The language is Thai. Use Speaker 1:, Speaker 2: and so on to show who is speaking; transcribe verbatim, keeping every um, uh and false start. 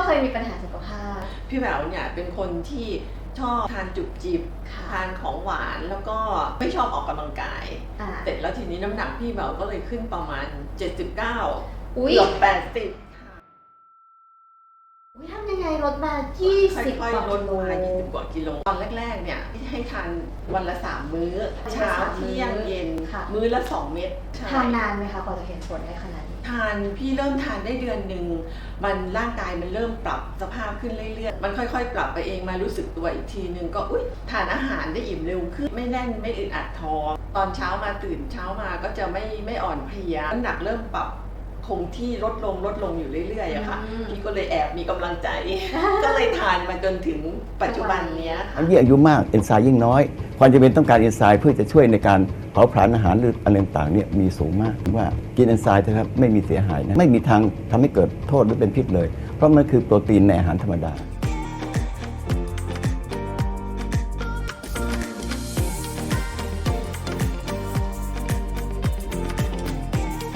Speaker 1: เคยมีปัญหาสุขภาพ
Speaker 2: พี่แหววเนี่ยเป็นคนที่ชอบทานจุบจิบทานของหวานแล้วก็ไม่ชอบออกกำลังกายเสร็จแล้วทีนี้น้ำหนักพี่แหววก็เลยขึ้นประมาณเจ็ดสิบเก้าเกือบแปดสิบ
Speaker 1: ทำยังไงลดมายี่สิบกว่ากิโล
Speaker 2: ลดมายี่สิบกว่ากิโลตอนแรกๆเนี่ยให้ทานวันละสามมื้อเช้าเที่ยงเย็นมื้อละสองเม็ด
Speaker 1: ทานนานไหมคะกว่าจะเห็นผลได้ขนาดนี้
Speaker 2: ทานพี่เริ่มทานได้เดือนหนึ่งมันร่างกายมันเริ่มปรับสภาพขึ้นเรื่อยๆมันค่อยๆปรับไปเองมารู้สึกตัวอีกทีนึงก็อุ๊ยทานอาหารได้อิ่มเร็วขึ้นไม่แน่นไม่อึดอัดท้องตอนเช้ามาตื่นเช้ามาก็จะไม่ไม่อ่อนเพลียน้ำหนักเริ่มปรับคงที่ลดลงลดลงอยู่เรื่อยๆอะค่ะพี่ก็เลยแอบมีกำลังใจก็เลยทานมาจนถึงปัจจุบันนี้
Speaker 3: อันยิ่งอายุมากเอนไซม์ยิ่งน้อยความจำเป็นต้องการเอนไซม์เพื่อจะช่วยในการเผาผลาญอาหารหรืออะไรต่างๆเนี่ยมีสูงมากว่ากินเอนไซม์เถอะครับไม่มีเสียหายนะไม่มีทางทำให้เกิดโทษหรือเป็นพิษเลยเพราะมันคือโปรตีนในอาหารธรรมดา